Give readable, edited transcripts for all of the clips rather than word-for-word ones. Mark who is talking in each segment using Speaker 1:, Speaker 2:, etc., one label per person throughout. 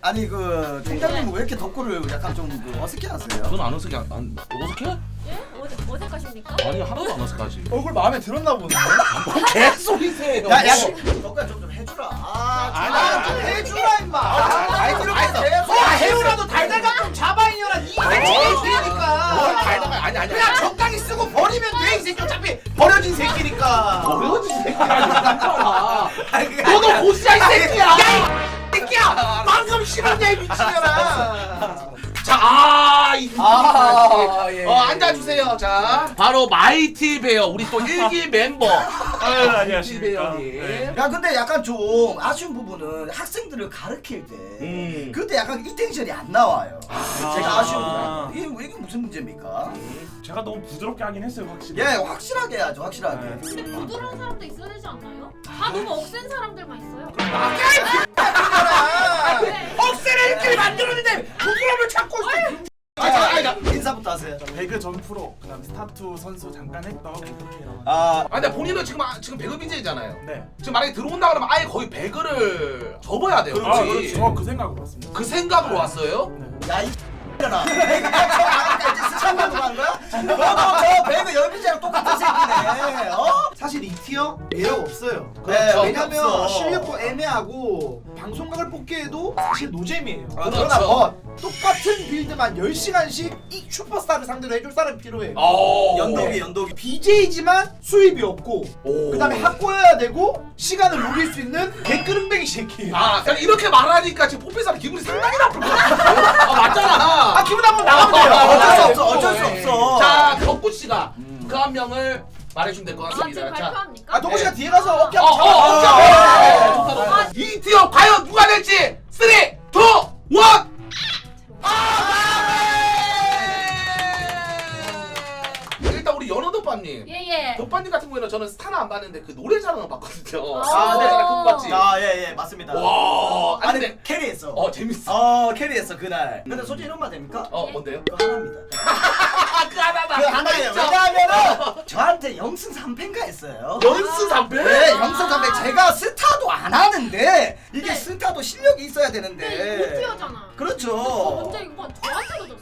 Speaker 1: 아니 그 총장님은 왜 이렇게 덕구를 약간 좀 어색해하세요?
Speaker 2: 그건 안 어색해. 안 어색해?
Speaker 3: 예? 어색하십니까?
Speaker 2: 아니 하나도 안 어색하지.
Speaker 4: 얼굴 마음에 들었나 보네.
Speaker 2: 뭐 개소리세요.
Speaker 1: 야 덕구야 좀 해주라. 좀 해주라 임마.
Speaker 4: 해우라도 달달감 좀 잡아 이년아. 이게 제일 세니까.
Speaker 2: 달다가 아니.
Speaker 4: 그냥 적당히 쓰고 버리면 돼. 이 새끼 어차피 버려진 새끼니까.
Speaker 2: 어려워진 새끼야. 너도 고시야 이 새끼야.
Speaker 4: 야, 이 새끼야. 방금 싫었냐 이 미친년아.
Speaker 2: 자,
Speaker 4: 예.
Speaker 2: 앉아주세요. 자, 바로 마이티 베어 우리 또 1기 멤버.
Speaker 5: 아유, 안녕하십니까.
Speaker 2: 베어님.
Speaker 1: 야 근데 약간 좀 아쉬운 부분은 학생들을 가르칠 때 그때 약간 이 텐션이 안 나와요. 제가 아쉬운 부분. 이게 무슨 문제입니까?
Speaker 5: 제가 너무 부드럽게 하긴 했어요, 확실히.
Speaker 1: 예 확실하게 해야죠 확실하게.
Speaker 3: 근데 부드러운 사람도 있어야 되지 않나요? 다 너무 억센 사람들만 있어요.
Speaker 4: 억세를 이렇게 만들었는데 부끄러움을 찾고 있어.
Speaker 1: 인사부터 하세요.
Speaker 5: 배그 전 프로, 그다음 스타투 선수 잠깐 했던 이렇게요.
Speaker 2: 근데 본인은 지금 배그 BJ잖아요.
Speaker 5: 네.
Speaker 2: 지금 만약에 들어온다 그러면 아예 거의 배그를 접어야 돼요.
Speaker 5: 아, 그렇지. 그 생각으로 왔습니다.
Speaker 2: 그 생각으로 왔어요?
Speaker 1: 야이 잖아. 이제 스찬만으로 한 거야? 너도 저 배그 열빈이랑 똑같은 새끼네. 어?
Speaker 4: 사실 이 티어 매력 없어요.
Speaker 2: 그렇죠.
Speaker 4: 왜냐면
Speaker 1: 없어.
Speaker 4: 실력도 애매하고 방송각을 뽑기에도 사실 노잼이에요.
Speaker 1: 아,
Speaker 4: 그러나
Speaker 2: 그렇죠.
Speaker 4: 똑같은 빌드만 10시간씩 이 슈퍼스타를 상대로 해줄 사람이 필요해요.
Speaker 1: 연독이.
Speaker 4: BJ지만 수입이 없고
Speaker 2: 오.
Speaker 4: 그다음에 학고여야 되고 시간을 녹일 수 있는 개끄름뱅이 새끼.
Speaker 2: 그냥 이렇게 말하니까 지금 포피사는 기분이 상당히 나쁠 것 같아요. 맞잖아.
Speaker 4: 기분 나쁘면 나가면 돼요.
Speaker 1: 어쩔 수 없어.
Speaker 2: 자, 덕구 씨가 그 한 명을 말해주면 될 것
Speaker 3: 아
Speaker 2: 같습니다.
Speaker 3: 지금
Speaker 2: 자,
Speaker 3: 발표합니까?
Speaker 4: 동호 씨가 뒤에 가서 어깨
Speaker 2: 어,
Speaker 4: 한번
Speaker 2: 어,
Speaker 4: 잡아.
Speaker 2: 좋다. 이 티어 과연 누가 될지 3, 2, 1. 일단 우리 연어덮밥님.
Speaker 3: 예예.
Speaker 2: 덮밥님 같은 경우에는 저는 스타는 안 봤는데 그 노래 자랑은 봤거든요.
Speaker 3: 아,
Speaker 2: 노래 자랑 그거 봤지.
Speaker 1: 예예 맞습니다.
Speaker 2: 와, 아니
Speaker 1: 아니
Speaker 2: 근데
Speaker 1: 캐리했어.
Speaker 2: 재밌어.
Speaker 1: 캐리했어 그날. 근데 솔직히 이런 말 됩니까?
Speaker 2: 뭔데요?
Speaker 1: 그거 하나입니다.
Speaker 2: 그 하나다.
Speaker 1: 그 하나예요. 왜냐하면은 저한테 영승 3패인가 했어요.
Speaker 2: 연스 3패?
Speaker 1: 네, 영승 3패. 제가 스타도 안 하는데 이게
Speaker 3: 네.
Speaker 1: 스타도 실력이 있어야
Speaker 3: 근데 이거
Speaker 1: 되는데.
Speaker 3: 못티어잖아.
Speaker 1: 그렇죠.
Speaker 3: 문제 이거 저한테도 줬어요.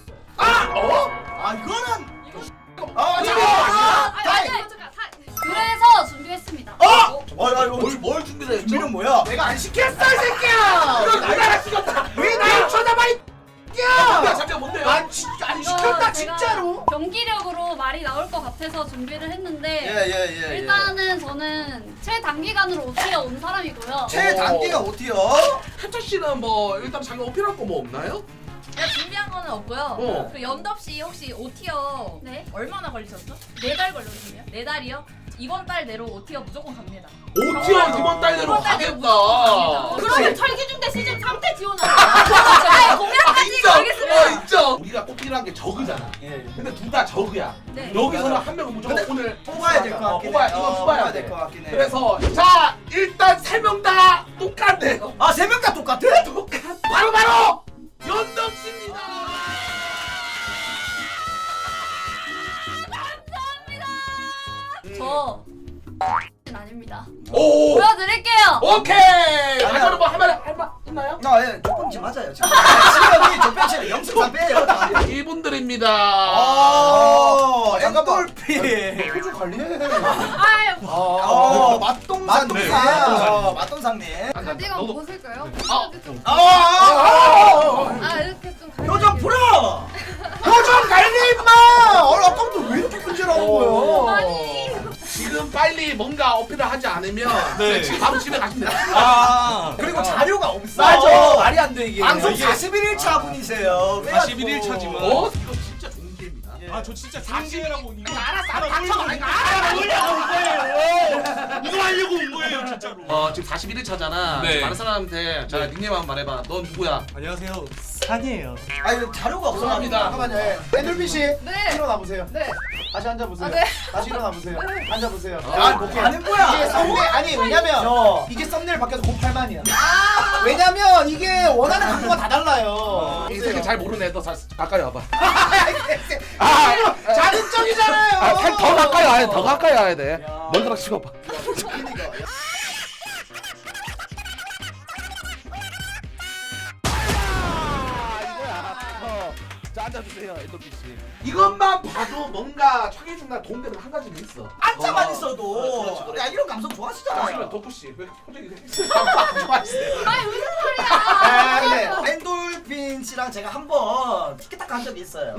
Speaker 1: 이거는
Speaker 3: 아니 이거 잠깐. 그래서 준비했습니다.
Speaker 2: 뭘 준비를 했죠?
Speaker 1: 준비는 뭐야?
Speaker 4: 내가 안 시켰어 이 새끼야.
Speaker 2: 그럼 나를 시켰다.
Speaker 4: 왜 날 쳐다봐 이 새끼야.
Speaker 2: 잠깐 뭔데요?
Speaker 4: 안 시켰다
Speaker 3: 제가
Speaker 4: 진짜로.
Speaker 3: 경기력으로 말이 나올 것 같아서 준비를 했는데
Speaker 1: 예.
Speaker 3: 일단은 저는 최단기간으로 오티어 온 사람이고요.
Speaker 1: 최단기가 어디요?
Speaker 2: 한철 씨는 뭐 일단 자기 어필할 거 뭐 없나요?
Speaker 6: 제가 준비한 거는 없고요.
Speaker 2: 어.
Speaker 6: 그 연덥 씨 혹시 OT어
Speaker 3: 네.
Speaker 6: 얼마나 걸리셨죠?
Speaker 3: 4달 걸렸거든요.
Speaker 6: 4달이요? 이번 달 내로 OT어 무조건 갑니다.
Speaker 2: 5티어 이번 달 내로
Speaker 6: 이번 달 내로
Speaker 2: 가겠다.
Speaker 6: 무조건
Speaker 3: 그러면 철기중대 시즌 3때 지원하자.
Speaker 6: 공약까지 걸겠습니다.
Speaker 2: 인정. 우리가 꼽히는 게 저그잖아. 근데 둘 다 저그야.
Speaker 6: 네.
Speaker 2: 여기서는 한 명은 무조건
Speaker 1: 근데
Speaker 2: 오늘
Speaker 1: 뽑아야 될 것 같긴 해.
Speaker 2: 이건 뽑아야 돼.
Speaker 1: 될 것 같긴 해.
Speaker 2: 그래서 자 일단 3명 다 똑같네요.
Speaker 1: 3명 다 똑같아?
Speaker 2: 바로 연덕 씨입니다.
Speaker 3: 저 아닙니다.
Speaker 2: 오.
Speaker 3: 보여드릴게요.
Speaker 2: 오케이. 아저는 뭐 할말 있나요?
Speaker 1: 예, 조금씩 맞아요. 지금 시간이 조편치는 영승 3패예요.
Speaker 2: 이분들입니다.
Speaker 1: 잠깐만.
Speaker 4: 표정 관리해.
Speaker 3: 아유.
Speaker 1: 맛동산님.
Speaker 4: 네,
Speaker 1: 맛동산님.
Speaker 3: 가디건 벗을까요? 이렇게 좀
Speaker 1: 표정 풀어.
Speaker 4: 표정 관리 임마. 아까부터 왜 이렇게 문제라는 거야?
Speaker 3: 아니.
Speaker 2: 지금 빨리 뭔가 어필을 하지 않으면
Speaker 5: 네.
Speaker 2: 지금 바로 집에 가시면 됩니다.
Speaker 1: 그리고 자료가 없어.
Speaker 4: 맞아. 말이 안 돼 이게.
Speaker 1: 방송 41일차 분이세요.
Speaker 5: 41일차 지금.
Speaker 2: 이거 진짜 좋은 기회입니다.
Speaker 5: 아, 저 진짜 장기회라고 이거.
Speaker 2: 알았어, 닥쳐.
Speaker 5: 이거 하려고 온 거예요, 진짜로.
Speaker 2: 지금 41일차잖아.
Speaker 5: 네.
Speaker 2: 많은 사람한테 자 닉네임 한번 말해봐. 넌 누구야?
Speaker 5: 안녕하세요. 산이에요.
Speaker 1: 아니 자료가 없어.
Speaker 2: 죄송합니다.
Speaker 4: 잠깐만요. 애들비 씨.
Speaker 3: 네.
Speaker 4: 일어나 보세요.
Speaker 3: 네.
Speaker 4: 다시 앉아 보세요.
Speaker 3: 네.
Speaker 4: 다시 일어나 보세요. 앉아 보세요.
Speaker 1: 뭐 하는 거야?
Speaker 4: 이게 썸네일 아니 왜냐면 이게 썸네일 바뀌어서 곧 8만이야. 왜냐면 이게 원하는 각도가 다 달라요.
Speaker 2: 이 새끼 잘 모르네. 너 가까이 와봐.
Speaker 4: 자극적이잖아요.
Speaker 2: 더 가까이 와야 돼. 더 가까이 와야 돼. 먼저 찍어봐. 자 앉아주세요 엔돌피 씨. 이것만 봐도 뭔가 청해준다 도움되는 한 가지는 있어.
Speaker 1: 앉아만
Speaker 2: 어.
Speaker 1: 있어도
Speaker 2: 그렇지, 그렇지.
Speaker 1: 야 이런 감성
Speaker 2: 잠시만
Speaker 1: 좋아하시잖아요.
Speaker 2: 덕후 씨왜 표정이 좋아하세요?
Speaker 4: 아 근데
Speaker 1: 엔돌핀 씨랑 제가 한번 티켓타카 한 적이 있어요.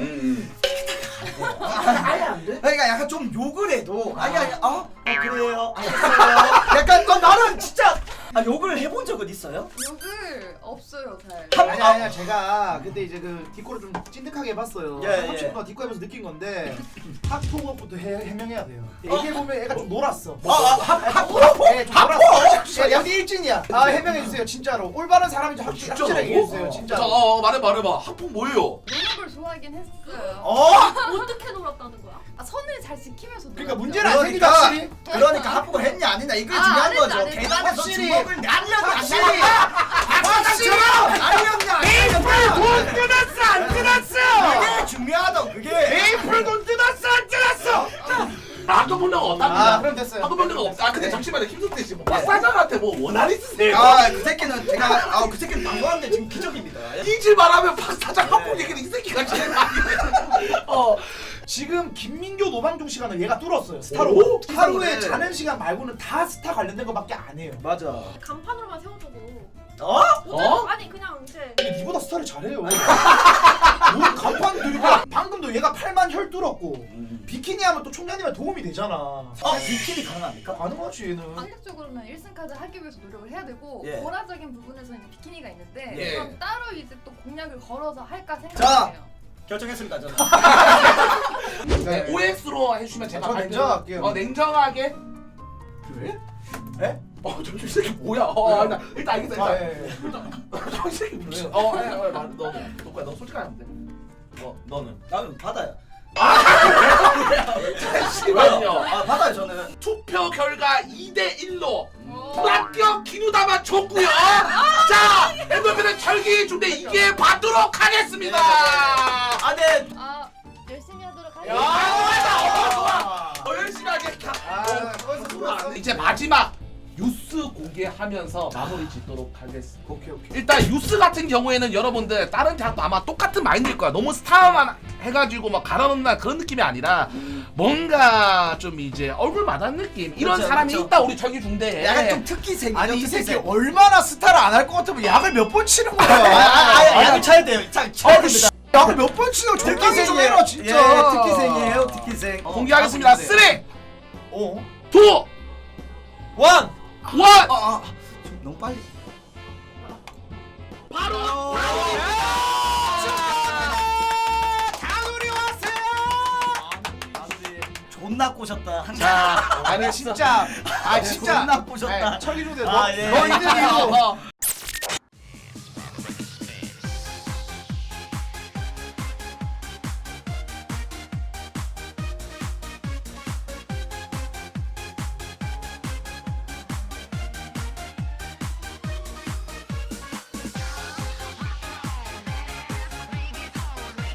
Speaker 2: 아예 안 돼?
Speaker 1: 그러니까 약간 좀 욕을 해도 아니 그래요 알겠어요. 약간 나는 진짜 욕을 해본 적은 있어요?
Speaker 6: 욕을 없어요 잘.
Speaker 4: 아니야 제가 근데 이제 그 디코를 좀 찐득하게 해봤어요.
Speaker 1: 예, 예.
Speaker 4: 30분 디코 해면서 느낀 건데 학폭업부터 해명해야 돼요. 얘기해보면 애가 좀 놀았어.
Speaker 1: 학폭?
Speaker 4: 네, 좀 놀았어. 야, 양대 일진이야. 아 해명해주세요 진짜로. 올바른 사람인지 확실하게 얘기해주세요 진짜로.
Speaker 2: 말해봐. 학폭 뭐예요?
Speaker 6: 노는 걸 좋아하긴 했어요.
Speaker 3: 어떻게 놀았다는 거야?
Speaker 6: 아, 선을 잘 지키면서.
Speaker 4: 그러니까
Speaker 6: 놀았죠.
Speaker 4: 문제는 안 생기다 확실히.
Speaker 1: 그러니까 합복을 했냐 안 했냐 이게
Speaker 6: 아,
Speaker 1: 중요한
Speaker 6: 안 했죠,
Speaker 1: 거죠.
Speaker 6: 안 했죠.
Speaker 1: 계단에서
Speaker 4: 확실히.
Speaker 1: 주먹을 날렸냐
Speaker 4: 확실히.
Speaker 1: 박사처럼 날렸냐 안 날렸냐
Speaker 4: 돈 뜯었어 안 뜯었어.
Speaker 1: 그게 중요하다고 그게.
Speaker 4: 메이플 돈 뜯었어 안 뜯었어.
Speaker 2: 나도 본 적은 없답니다.
Speaker 4: 아 그럼 됐어요.
Speaker 2: 나도 본 적은 없다. 근데 잠시만요 김성태 씨. 뭐 박사장한테 뭐 원한 있으세요?
Speaker 1: 그 새끼는 제가 그 새끼는 방송하는데 지금 기적입니다.
Speaker 2: 이질 말하면 박사장 학폭 얘기는 이 새끼가 제일 많이 해.
Speaker 4: 지금 김민교 노방종 시간을 얘가 뚫었어요.
Speaker 2: 오?
Speaker 4: 스타로. 하루에
Speaker 1: 스타로네.
Speaker 4: 자는 시간 말고는 다 스타 관련된 거밖에 안 해요.
Speaker 1: 맞아.
Speaker 3: 간판으로만 세워두고.
Speaker 1: 어?
Speaker 3: 아니 그냥 이제
Speaker 4: 근데 니보다 스타를 잘해요. 뭘 간판 들이고 방금도 얘가 8만 혈 뚫었고 비키니 하면 또 총장님한테 도움이 되잖아.
Speaker 1: 비키니 가능합니까?
Speaker 4: 가능하지 얘는.
Speaker 6: 방식적으로는 1승 카드 하기 위해서 노력을 해야 되고
Speaker 1: 예.
Speaker 6: 고라적인 부분에서는 이제 비키니가 있는데
Speaker 2: 예.
Speaker 6: 그럼 따로 이제 또 공략을 걸어서 할까
Speaker 1: 자.
Speaker 6: 생각해요.
Speaker 1: 결정했습니다 저는.
Speaker 2: 네, OX로 해주시면 제가
Speaker 4: 저
Speaker 2: 발표-
Speaker 4: 냉정할게요.
Speaker 2: 냉정하게. 그래?
Speaker 4: 에?
Speaker 2: 저 새끼 뭐야? 일단 알겠어.
Speaker 4: 아,
Speaker 2: 일단.
Speaker 4: 예, 예.
Speaker 2: 저 새끼 미친. 너 솔직하면 돼. 너는.
Speaker 1: 나는 받아요.
Speaker 2: 잠시만요.
Speaker 1: 받아요 저는.
Speaker 2: 투표 결과 2대1로
Speaker 6: 오.
Speaker 2: 합격 기누다만 줬고요. 자, 엔돌핀은 철기 중대 이게 받도록 하겠습니다.
Speaker 1: 네.
Speaker 6: 아 열심히 하도록
Speaker 2: 야,
Speaker 6: 하겠습니다.
Speaker 2: 좋아. 더 열심히 하겠다.
Speaker 4: 거기서 좋았어.
Speaker 2: 이제 마지막 뉴스 공개하면서 마무리 짓도록 하겠습니다.
Speaker 4: 오케이.
Speaker 2: 일단 뉴스 같은 경우에는 여러분들 다른 대학도 아마 똑같은 마인드일 거야. 너무 스타만 해가지고 막 갈아놓는다 그런 느낌이 아니라 뭔가 좀 이제 얼굴 마다는 느낌 이런
Speaker 1: 그렇죠,
Speaker 2: 사람이
Speaker 1: 그렇죠.
Speaker 2: 있다 우리 철기 중대에.
Speaker 1: 약간 좀 특기생이죠.
Speaker 4: 아니 이 새끼
Speaker 1: 특기생.
Speaker 4: 얼마나 스타를 안 할 것 같으면 약을 몇 번 치는 거야.
Speaker 1: 약을 쳐야 돼요. 쳐야 됩니다.
Speaker 4: 약을 몇 번 치는 거 적당히 좀 해라 진짜.
Speaker 1: 예, 특기생이에요. 특기생.
Speaker 2: 공개하겠습니다. 3, 2, 1.
Speaker 4: 어?
Speaker 1: 좀 너무 빨리.
Speaker 2: 바로
Speaker 4: 다누리 왔어요.
Speaker 1: 존나 꼬셨다.
Speaker 4: 아니 진짜. 아 진짜.
Speaker 1: 존나 꼬셨다.
Speaker 4: 철기중대
Speaker 1: 아, 예.
Speaker 4: 너 있는 이유.